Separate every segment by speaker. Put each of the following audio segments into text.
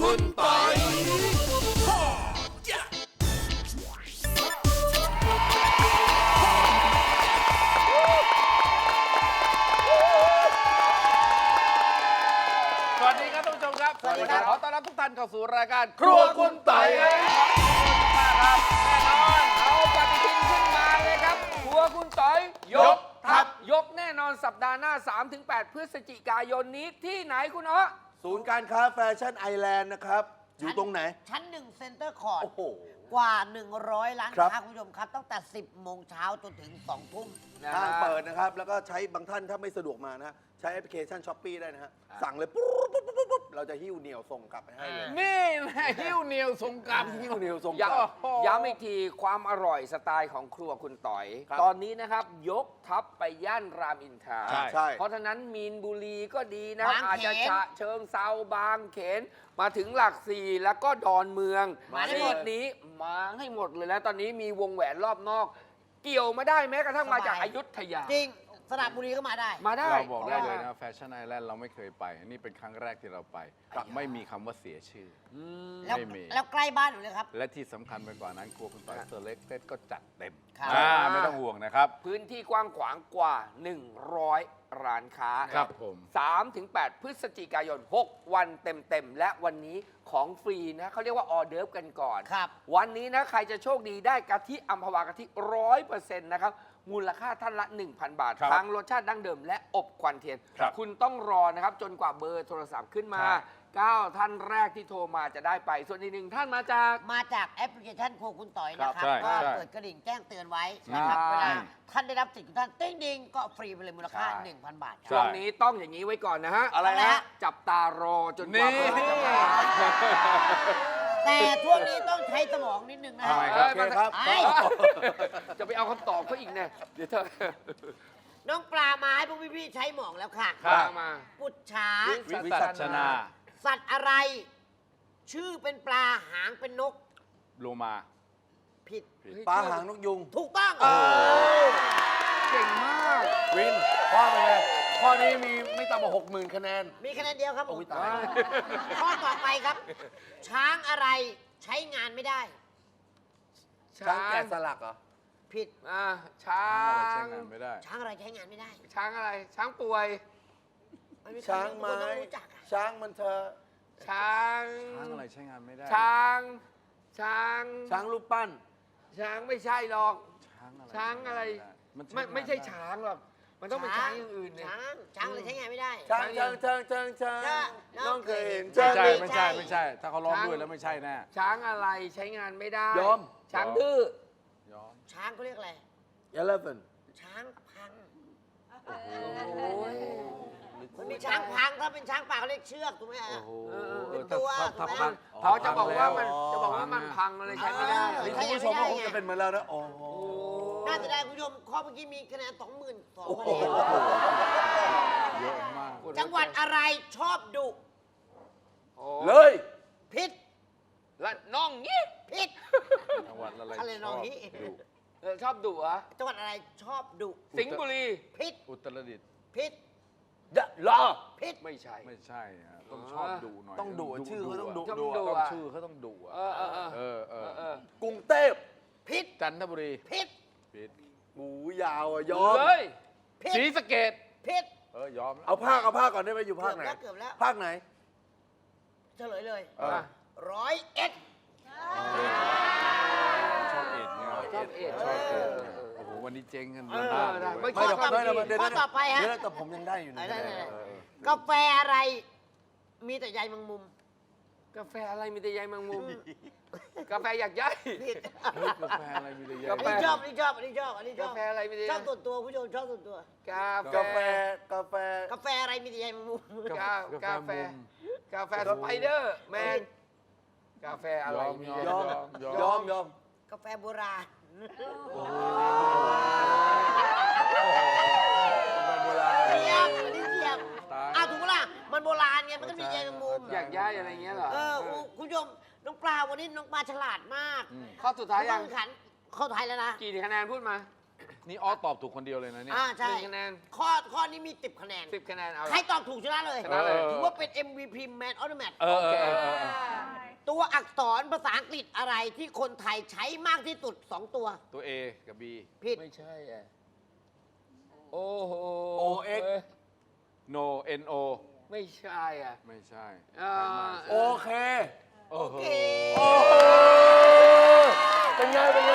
Speaker 1: คุณปอย
Speaker 2: สวัสดีครับท่านผู้ชมครับ
Speaker 3: สวัสดีครับ
Speaker 2: ขอต้อนรับทุกท่านเข้าสู่รายการครัวคุณต่อยครับแน่นอนเอาปฏิทินขึ้นมาเลยครับครัวคุณต่อยยกทัพยกแน่นอนสัปดาห์หน้า 3-8 พฤศจิกายนนี้ที่ไหนคุณอ๊อ
Speaker 1: ศูนย์การค้าแฟชั่นไอแลนด์นะครับ อยู่ตรงไหน
Speaker 3: ชั้น1เซ็นเตอร์คอร์ด
Speaker 1: โอ้โห
Speaker 3: กว่า 100 ล้าน
Speaker 1: ครับ
Speaker 3: ค้าคุณผู้ชมครับ ตั้งแต่ 10 โมงเช้าจนถึง 2 ทุ่ม
Speaker 1: ห้างเปิดนะครับ แล้วก็ใช้บางท่านถ้าไม่สะดวกมานะ ใช้แอปพลิเคชันช้อปปี้ได้นะฮะ สั่งเลยปุ๊บปุ๊บปุ๊บปุ๊บเราจะหิ้วเหนียวส่งกลับไปให้เลย
Speaker 2: นี่แหละหิ้วเหนียวทรงกรรม
Speaker 1: หิ้วเหนียวส่งก
Speaker 2: ย้
Speaker 1: ลับ
Speaker 2: ำย้ำอีกทีความอร่อยสไตล์ของครัวคุณต่อย
Speaker 1: ครับ
Speaker 2: ตอนนี้นะครับยกทัพไปย่านรามอินทรา
Speaker 1: ใช่
Speaker 2: เพราะฉะนั้นมีนบุรีก็ดีนะ
Speaker 3: บางเขน
Speaker 2: อาจจะฉะเชิงเซาบางเขน มาถึงหลักสี่แล้วก็ดอนเมือง
Speaker 3: มาได้
Speaker 2: ซี
Speaker 3: หมด
Speaker 2: กนี้มาให้หมดเลยแล้วตอนนี้มีวงแหวนรอบนอก เกี่ยวมาได้แม้กระทั่งมาจากอยุธยา
Speaker 3: จริง สระบุรีก็มาได้
Speaker 2: มาได้
Speaker 4: เราบอกได้เลยนะแฟชั่นไอแลนด์เราไม่เคยไป นี่เป็นครั้งแรกที่เราไป ไม่มีคำว่าเสียชื่อ
Speaker 3: แล้ว
Speaker 4: ไม่มี
Speaker 3: แล้วใกล้บ้านอยู่เลยครับ
Speaker 4: และที่สำคัญไปกว่านั้นครัวคุณต่อยเซอร์เล็กเต็ดก็จัดเต็ม
Speaker 3: ครับ
Speaker 4: ไม่ต้องห่วงนะครับ
Speaker 2: พื้นที่กว้างขวางกว่า 100 ร้านค้า
Speaker 4: ครับผม
Speaker 2: 3-8 พฤศจิกายน 6 วันเต็มๆ และวันนี้ของฟรีนะเขาเรียกว่าออเดิร์ฟกันก่อน
Speaker 3: ครับ
Speaker 2: วันนี้นะ ใครจะโชคดีได้กะทิอัมพวากะทิ 100% นะครับ มูลค่าท่านละ 1,000 บาท
Speaker 4: ครับ
Speaker 2: ทั้งรสชาติดั้งเดิมและอบควันเทียน
Speaker 4: ครับ
Speaker 2: คุณต้องรอนะครับ จนกว่าเบอร์โทรศัพท์ขึ้นมา
Speaker 4: ใช่
Speaker 2: 9 ท่านแรกที่โทรมาจะได้ไป ส่วนอีกหนึ่งท่านมาจาก
Speaker 3: มาจากแอปพลิเคชันโครัวคุณต่อยนะครับ
Speaker 4: ใช่
Speaker 3: ก็
Speaker 4: ใช่
Speaker 3: เปิดกระดิ่งแจ้งเตือนไว้นะครับ
Speaker 2: ใช่
Speaker 3: เวลาท่านได้รับสิทธิ์ของท่านติ้งดิงก็ฟรีไปเลยมูลค่า
Speaker 2: ใช่
Speaker 3: 1,000 บาทค
Speaker 2: ช่
Speaker 3: รั
Speaker 2: ว
Speaker 3: บ
Speaker 2: งนี้ต้องอย่างนี้ไว้ก่อนนะฮะ
Speaker 1: อะไรฮะ
Speaker 2: จับตารอจนกว่า
Speaker 4: นี่
Speaker 2: เบอร์จะมา
Speaker 3: แต่ช่วงนี้ต้องใช้สมองนิดนึงนะ
Speaker 4: ทำไมครับ
Speaker 1: โอเคครับ
Speaker 3: ไอ้
Speaker 2: จะไปเอาคำตอบเขาอีกเนี่ยเดี๋ยวเธอ
Speaker 3: น้องปลามาให้พวกพี่ๆใช้หมองแล้วค่ะ
Speaker 4: ครับ
Speaker 2: มา
Speaker 3: ปุจฉา
Speaker 4: วิสัชนา
Speaker 3: สัตว์อะไร ชื่อเป็นปลาหางเป็นนก
Speaker 4: โลมา
Speaker 3: ผิด
Speaker 1: ปลาหางนกยุง
Speaker 3: ถูกต้อง
Speaker 2: เก่งมาก
Speaker 1: วินข้อไปเลยข้อนี้มีไม่ต่ำกว่า60,000 คะแนน
Speaker 3: มีคะแนนเดียวครับผม
Speaker 1: โอ้ยตาย
Speaker 3: ข้อต่อไปครับ ช้างอะไรใช้งานไม่ได้
Speaker 1: ช้างแกะสลักเหรอ
Speaker 3: ผิด
Speaker 2: ช้า
Speaker 4: ใช้
Speaker 2: ง
Speaker 4: งานไม่ได้
Speaker 3: ช้างอะไรใช้งานไม่ได้
Speaker 2: ช้างอะไร ช้างป่วย
Speaker 3: มันมี
Speaker 1: ช้าง
Speaker 3: ค
Speaker 1: ไม้
Speaker 3: นต้องรู้จักอะ
Speaker 1: ช้างมันเธอ
Speaker 2: ช้าง
Speaker 4: ช้างอะไรใช้งานไม่ได้
Speaker 2: ช้าง ช้าง
Speaker 1: ช้างรูปปั้น
Speaker 2: ช้างไม่ใช่หรอก
Speaker 4: ช้างอะไร
Speaker 2: ช้างอะไร
Speaker 4: มัน
Speaker 2: ไม่ใช่ช้างหรอก มันต้องเป็นช้างอย่างอื่นเนี่ย
Speaker 3: ช้างอะไรใช้งานไม่ได้
Speaker 1: ช้างช้างช้างช้างช้าง
Speaker 3: ช้าง
Speaker 1: น้องเคยเห็น
Speaker 3: ช้า
Speaker 1: ช้าง ง
Speaker 4: ไม่ใช่ไม่ใช่ ถ้าเขาร้องด้วยแล้วไม่ใช่แน่
Speaker 2: ช้างอะไรใช้งานไม่ได้
Speaker 1: ยอม
Speaker 2: ช้างดื้อ
Speaker 4: ยอม
Speaker 3: ช้างเขาเรียกอะไร
Speaker 1: 11
Speaker 3: ช้างพัง
Speaker 2: โอ้ย
Speaker 3: มันมีช้างพังถ้าเป็นช้างป่าเขาเรียกเชือกถูกไหมฮะ
Speaker 4: โอ้โห
Speaker 3: เป็นตัว
Speaker 4: ถ้า
Speaker 3: ถูกไหม
Speaker 4: พัง
Speaker 2: เขาจะบอกว่ามัน
Speaker 1: อ๋อ
Speaker 2: จะบอกว่ามันพังอะไรใช้ไม่ได้
Speaker 1: นี่คุณผู้ชมก็คงจะเป็นเหมือนเรานะ โอ้โห
Speaker 3: น่าจะได้คุณผู้ชมข้อเมื่อกี้มีคะแนน 22,000
Speaker 1: โอ้โห
Speaker 3: คะแนน
Speaker 4: เยอะมาก
Speaker 3: จังหวัดอะไรชอบดุ
Speaker 1: เลย
Speaker 3: พิษ
Speaker 2: และน้องงี้
Speaker 3: พิษ
Speaker 4: จังหวัดอะไร
Speaker 3: อะไรน้องนี้
Speaker 2: ชอบดุเหรอ
Speaker 3: จังหวัดอะไรชอบดุ
Speaker 2: สิงห์บุรี
Speaker 3: พิษ
Speaker 4: อุตรดิตถ์
Speaker 3: พิษ
Speaker 1: ยะลอ
Speaker 3: พิษ
Speaker 2: ไม่ใช่
Speaker 4: ไม่ใช่ฮะต้องชอบดุหน่อย
Speaker 1: ต้องดุชื่อเขาต้องดุ
Speaker 2: ต้อง
Speaker 4: ต้อง
Speaker 2: ดุ
Speaker 4: ชื่อเขาต้องดุอะ
Speaker 2: เออ
Speaker 1: กรุงเทพ
Speaker 3: พิษ
Speaker 4: จันทบุรี
Speaker 3: พิษ
Speaker 4: ผิด
Speaker 1: หมูยาวอ่ะยอม
Speaker 2: เลย
Speaker 3: พิษ
Speaker 4: ศรีสะเกด
Speaker 3: พิษ
Speaker 4: ยอมแล้ว
Speaker 1: เอาภาคก่อนได้ไหมอยู่ภาคไหน
Speaker 3: เกือบแล้ว
Speaker 1: ภาคไหน
Speaker 3: เฉลยเลย
Speaker 4: เออ
Speaker 3: 101
Speaker 4: ชอบเอ็ดเนี่ย
Speaker 2: ชอบเอ็ด
Speaker 4: ชอบเอ็ดเนี่ยโอ้โหวันนี้เจ๊งกัน
Speaker 2: เออ
Speaker 4: มาก
Speaker 2: ได้
Speaker 4: เลย
Speaker 2: ไม่
Speaker 1: ไม่เดี๋ยว
Speaker 2: ข้อต่อไป
Speaker 1: เดี๋ยว
Speaker 3: ข้อต่อไปฮะ
Speaker 1: เดี๋ยวแต่ผมยังได้อยู่นะ
Speaker 3: ได้
Speaker 4: เออ
Speaker 3: กาแฟอะไร มีแต่ใยแมงมุม
Speaker 2: กาแฟอะไรมีแต่ใยแมงมุม กาแฟอยากย้าย
Speaker 3: ผิด
Speaker 4: เฮ้ยกาแฟอะไรมีแต่ใย
Speaker 2: กา
Speaker 3: อัน
Speaker 2: แฟ
Speaker 3: นี้ชอบอันนี้ชอบอันนี้ชอบอันนี้ช
Speaker 2: กา
Speaker 3: อบ
Speaker 2: แฟอะไรมีแต่
Speaker 3: ชอบส่วนตัวผู้ชมชอบส่วนตัว
Speaker 2: กาแฟ
Speaker 1: กาแฟกาแฟ
Speaker 3: กาแฟอะไรมีแต่ใยแมงมุม
Speaker 2: กาแฟกาแฟสไปเดอร์แมนกาแฟอะไรมี
Speaker 1: ยอม
Speaker 4: ยอม
Speaker 1: ยอม
Speaker 3: กาแฟโบราณ
Speaker 1: โบราณ
Speaker 3: เทียบอันนี้เทียบ
Speaker 4: ตาย
Speaker 3: ถูกปะล่ะมันโบราณไงมันก็มีใยแมงมุม
Speaker 2: อยากย้ายอะไรเงี้ยเหรอ
Speaker 3: คุณผู้ชมน้องปลาวันนี้น้องปลาฉลาดมาก
Speaker 2: ข้อสุดท้ายยัง
Speaker 3: ต้องขันเข้าไทยแล้วนะ
Speaker 2: กี่คะแนนพูดมา
Speaker 4: นี่ออสตอบถูกคนเดียวเลยนะเนี่ย
Speaker 3: ใช่
Speaker 2: 1 คะแนน
Speaker 3: ข้อนี้มี10 คะแนน
Speaker 2: 10 คะแนนเอา
Speaker 3: ใคร
Speaker 2: ละ
Speaker 3: ตอบถูกชนะเลย
Speaker 2: ชนะเลย
Speaker 3: ถือว่าเป็น MVP Man of the Match
Speaker 4: เออเออเออเออ
Speaker 3: ตัวอักษรภาษาอังกฤษอะไรที่คนไทยใช้มากที่สุด 2 ตัว
Speaker 4: ตัว A กับ B
Speaker 3: ผิด
Speaker 2: ไม่ใช่อ่ะโอ้โห
Speaker 1: OX
Speaker 2: เอ้ย
Speaker 4: No N O
Speaker 2: ไม่ใช่อ่ะ
Speaker 4: ไม่ใช่
Speaker 2: อ่า
Speaker 1: โอเค
Speaker 4: โอ้โห
Speaker 1: โอ้โหเป็นไง เป็นไง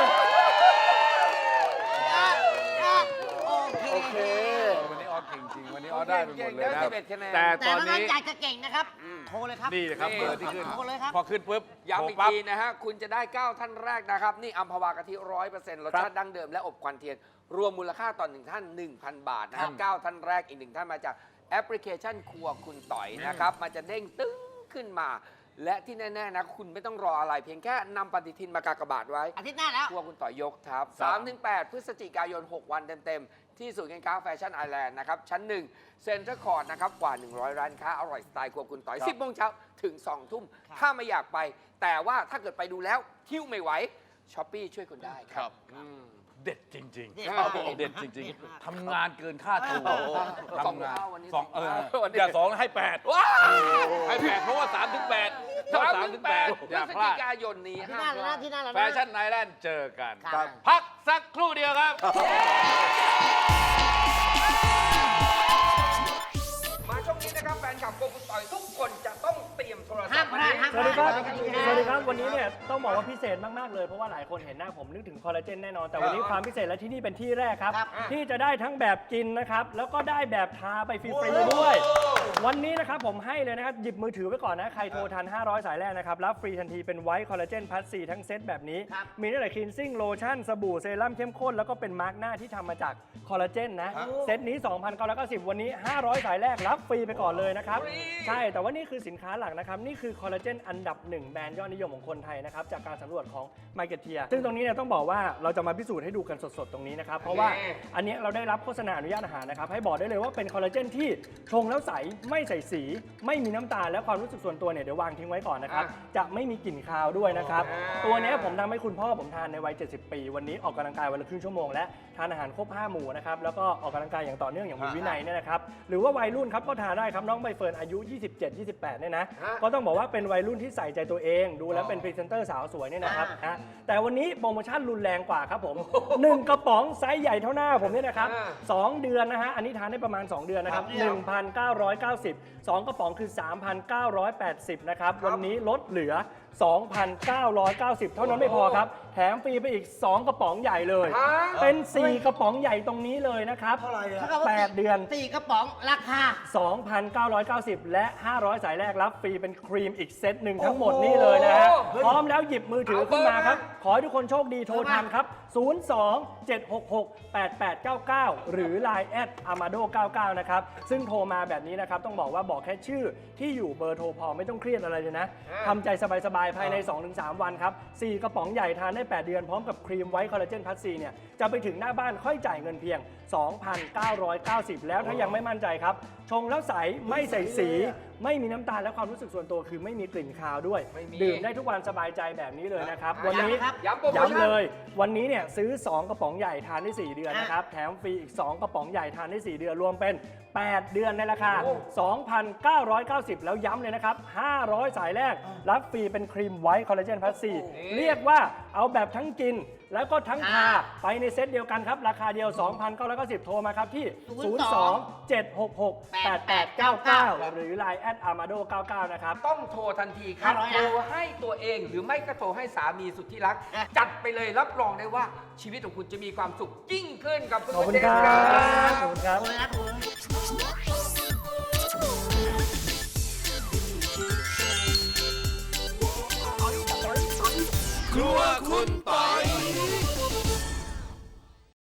Speaker 3: โอเค
Speaker 4: วันนี้ออสเก่งจริง วันนี้ออสได้ไปหมดเลยนะ
Speaker 2: เก่งๆได้11 คะแนน
Speaker 4: แต่
Speaker 3: แต่
Speaker 4: ตอน
Speaker 3: ถ้างั้น
Speaker 4: นี้
Speaker 3: อยากจะเก่งนะครับ โทรเลยครับ
Speaker 4: นี่นะครับเบอร์ที่ขึ้น
Speaker 3: โทรเลยครับ
Speaker 4: พอขึ้นปุ๊บ
Speaker 2: ย้ำ
Speaker 4: โทร
Speaker 2: อีก
Speaker 4: ปั๊บ
Speaker 2: ทีนะฮะ คุณจะได้ 9 ท่านแรกนะครับ นี่อัมพวากะทิ 100%รสชาติดั้งเดิมและอบควันเทียน รวมมูลค่าต่อ1ท่าน 1,000 บาทนะครับ 9 ท่านแรกอีก 1 ท่านมาจากแอปพลิเคชันครัวคุณต่อยนะครับ มันจะเด้งตึ้งขึ้นมา และที่แน่ ๆ นะ คุณไม่ต้องรออะไรเพียงแค่นำปฏิทินมากากบาทไว้
Speaker 3: อาทิตย์หน้าแล้ว
Speaker 2: ครัวคุณต่อยยกทับ 3-8 พฤศจิกายน 6 วันเต็ม ๆ ที่ศูนย์การค้าแฟชั่นไอแลนด์นะครับ ชั้น 1 เซ็นทรัลคอร์ดนะครับ กว่า 100 ร้านค้า อร่อยสไตล์ครัวคุณต่อย 10 โมงเช้าถึง 2 ทุ่ม ถ้าไม่อยากไป แต่ว่าถ้าเกิดไปดูแล้วหิ้วไม่ไหวช้อปปี้ช่วยคุณได้ครับ
Speaker 4: เด็ดจริง
Speaker 3: เด็ด
Speaker 4: ๆ
Speaker 3: มาก
Speaker 4: เด็ดจริง ๆทำงานเกินค่าตัว
Speaker 2: สอง
Speaker 4: ทำงาน
Speaker 2: เท่าวันนี้
Speaker 4: สอง
Speaker 2: สองเท่าวันนี้
Speaker 4: อย่า2ให้8
Speaker 2: ว้าว
Speaker 4: ให้8เพราะว่า3ถึง8ถ้า3ถึง8
Speaker 2: พ
Speaker 4: อย่า
Speaker 2: ฤศ
Speaker 4: พลา
Speaker 2: จิ
Speaker 4: ด
Speaker 2: กายนนี้
Speaker 3: ที่
Speaker 2: ห้า
Speaker 3: หน้าม
Speaker 2: พ
Speaker 3: แล้ว
Speaker 2: ลา
Speaker 3: นะ
Speaker 2: ด
Speaker 3: ที่หน้าแล้ว
Speaker 4: แฟ
Speaker 3: นะ
Speaker 4: ชั่นไนแลนด์เจอกัน
Speaker 3: ครับ
Speaker 4: พักสักครู่เดียวครับ
Speaker 2: มาช่วงนี้นะครับแฟนคลับครัวคุณต่อยทุกคนจะต้องเตรียมโทรศั
Speaker 3: ห้า
Speaker 2: พ
Speaker 3: ม
Speaker 2: ท์
Speaker 3: พลาดห้าม
Speaker 5: ส
Speaker 3: พ
Speaker 5: วัส
Speaker 3: ลา
Speaker 5: ดี
Speaker 3: ด
Speaker 5: ครับ สวัสดีครับ วันนี้เนี่ยต้องบอกว่าพิเศษมากๆเลย เพราะว่าหลายคนเห็นหน้าผมนึกถึงคอลลาเจนแน่นอน แต่วันนี้ความพิเศษและที่นี่เป็นที่แรกครับ ที่จะได้ทั้งแบบกินนะครับ แล้วก็ได้แบบทาไปฟรีๆด้วย วันนี้นะครับผมให้เลยนะครับ หยิบมือถือไว้ก่อนนะ ใครโทรทัน 500 สายแรกนะครับ รับฟรีทันทีเป็นไวท์คอลลาเจนพัทซีทั้งเซตแบบนี้ มีตั้งแต่คลีนซิ่งโลชั่นสบู่เซรั่มเข้มข้น แล้วก็เป็นมาร์กหน้าที่ทำมาจากคอลลาเจนนะ เซตนี้ 2,990 วันนี้ 500 สายแรกรับฟรีไปก่อนเลยนะครับ ใช่ แต่ว่านี่คือสินค้าหลักนะครับ นี่คือคอลลาเจนอันดับ 1 แบรนด์ยอดนิยมของคนไทยนะครับ จากการสำรวจของ Marketeer ซึ่งตรงนี้เนี่ยต้องบอกว่าเราจะมาพิสูจน์ให้ดูกันสดๆ ตรงนี้นะครับ เพราะว่าอันนี้เราได้รับโฆษณาอนุญาตอาหารนะครับ ให้บอกได้เลยว่าเป็นคอลลาเจนที่ชงแล้วใส ไม่ใส่สี ไม่มีน้ำตาลและความรู้สึกส่วนตัวเนี่ยเดี๋ยววางทิ้งไว้ก่อนนะครับ จะไม่มีกลิ่นคาวด้วยนะครับ ตัวเนี้ยผมทำให้คุณพ่อผมทานในวัย 70 ปี วันนี้ออกกำลังกายวันละครึ่งชั่วโมงและทานอาหารครบ 5 หมู่นะครับ แล้วก็ออกกำลังกายอย่างต่อเนื่องอย่างมีวินัยเนี่ยนะครับ หรือว่าวัยรุ่นครับก็ทานได้ครับน้องใบเฟิร์นอายุ 27-28 เนี่ยนะ ก็ต้องบอกว่าเป็นวัยรุ่นที่ใส่ใจตัวเอง ดูแล้วเป็นพรีเซนเตอร์สาวสวยเนี่ยนะครับนะแต่วันนี้โปรโมชั่นรุนแรงกว่าครับผม 1 กระป๋องไซส์ใหญ่เท่าหน้าผมเนี่ยนะครับ 2 เดือนนะฮะ อันนี้ทานได้ประมาณ 2 เดือนนะครับ 1,990 2 กระป๋องคือ 3,980 นะครับ วันนี้ลดเหลือ 2,990 เท่านั้นไม่พอครับ แถมฟรีไปอีก 2 กระป๋องใหญ่เลย เป็น 4 กระป๋องใหญ่ตรงนี้เลยนะครับ
Speaker 1: เท่าไหร่อะ
Speaker 3: 8
Speaker 5: 8 เดือน
Speaker 3: 4 กระป๋องราคา
Speaker 5: 2,990 และ 500 สายแรกรับฟรีเป็นครีมอีกเซตหนึ่งทั้งหมดนี่เลยนะฮะ พร้อมแล้วหยิบมือถือขึ้นมาครับ ขอให้ทุกคนโชคดีโทรทันครับ 02-766-8899 หรือ Line แอด amado99 นะครับ ซึ่งโทรมาแบบนี้นะครับ ต้องบอกว่าบอกแค่ชื่อที่อยู่เบอร์โทรพอไม่ต้องเครียดอะไรเลยนะทำใจสบายๆ ภายใน 2-3 วันครับ 4 กระป๋องใหญ่ทานได้ 8 เดือนพร้อมกับครีมไวท์คอลลาเจนพัทซีเนี่ยจะไปถึงหน้าบ้านค่อยจ่ายเงินเพียง 2,990 แล้วถ้ายังไม่มั่นใจครับ ชงแล้วใสไม่ใส่สี ไม่มีน้ำตาลและความรู้สึกส่วนตัวคือไม่มีกลิ่นคาวด้วย
Speaker 2: ไม่มี
Speaker 5: ดื่มได้ทุกวันสบายใจแบบนี้เลยนะครับ วันนี้
Speaker 2: ย้ำโปรโมชั่น
Speaker 5: ย้ำเลย วันนี้เนี่ยซื้อ 2 กระป๋องใหญ่ทานได้ 4 เดือนนะครับ แถมฟรีอีก 2 กระป๋องใหญ่ทานได้ 4 เดือน รวมเป็น 8 เดือนในราคา 2,990 แล้วย้ำเลยนะครับ 500 สายแรก รับฟรีเป็นครีมไวท์คอลลาเจนพัทซีเรียกว่าเอาแบบทั้งกิน แล้วก็ทั้งทาไปในเซตเดียวกันครับ ราคาเดียว 2,990 โทรมาครับที่ 02-766-8899 หรือ Line แอด amado99 นะครับ
Speaker 2: ต้องโทรทันทีครับ
Speaker 3: 500นะ
Speaker 2: โทรให้ตัวเองหรือไม่ก็โทรให้สามีสุดที่รัก จัดไปเลยรับรองได้ว่าชีวิตของคุณจะมีความสุขยิ่งขึ้นกับ
Speaker 5: ขอบคุณ
Speaker 2: เจ
Speaker 5: ค
Speaker 2: น
Speaker 5: รับ
Speaker 2: ครับ
Speaker 5: ขอบคุณครับ
Speaker 3: โทรเลยนะโทรเลย
Speaker 4: ครัวคุณต่อย